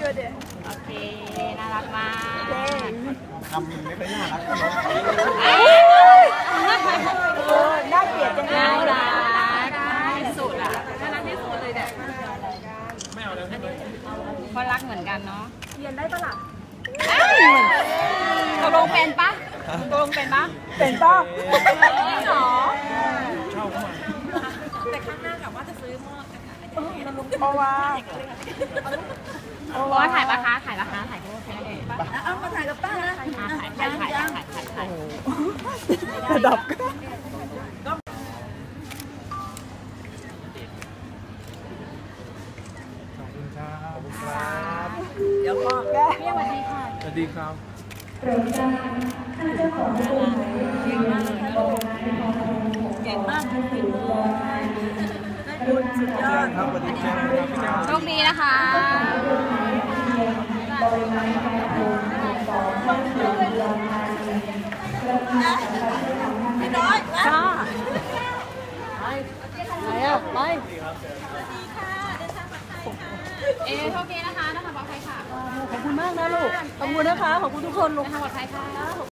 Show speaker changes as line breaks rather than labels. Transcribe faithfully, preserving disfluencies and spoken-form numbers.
ช่วยดิ
โอเคน่ารักมาก
ทำไม่ค่อยน่ารัก
น่าเกลียดจังเลย
น่ารักที่สุดอ่ะน่ารักที่สุดเลยเนี่ยไม่เอาแล้วเพราะรักเหมือนกันเนาะ
เรียนได้ปะล่ะ
ตกลงเป็นปะตกลงเป็นปะ
เป็นป่ะ
หรอ
ชอบมาก
แต่ข้างหน้ากะว่าจะซื้อหม้อ
เพราะว่า
เพราะว่าถ่ายปะคะถ่ายปะคะถ่ายรูปใช่ไหม
เอามาถ่ายกับป้านะ
ถ่ายถ่ายถ่ายถ่ายถ่ายถ่าย
ระดับ
ขอบคุณครับ
เดี๋ยวพ่อแก
สวัสดีค่ะ
สวัสดีครับ
เก่งมากบุญสุดยอด
ครับสวัสดีครับ
โชคดีนะคะ
พี่น้อยจ้าไปไหนอ่ะไป
เอโชคดีนะคะนะคะปลอดภัยค่ะ
ขอบคุณมากนะลูกขอบคุณนะคะขอบคุณทุกคนลูก
นะคะปลอดภัยค่ะ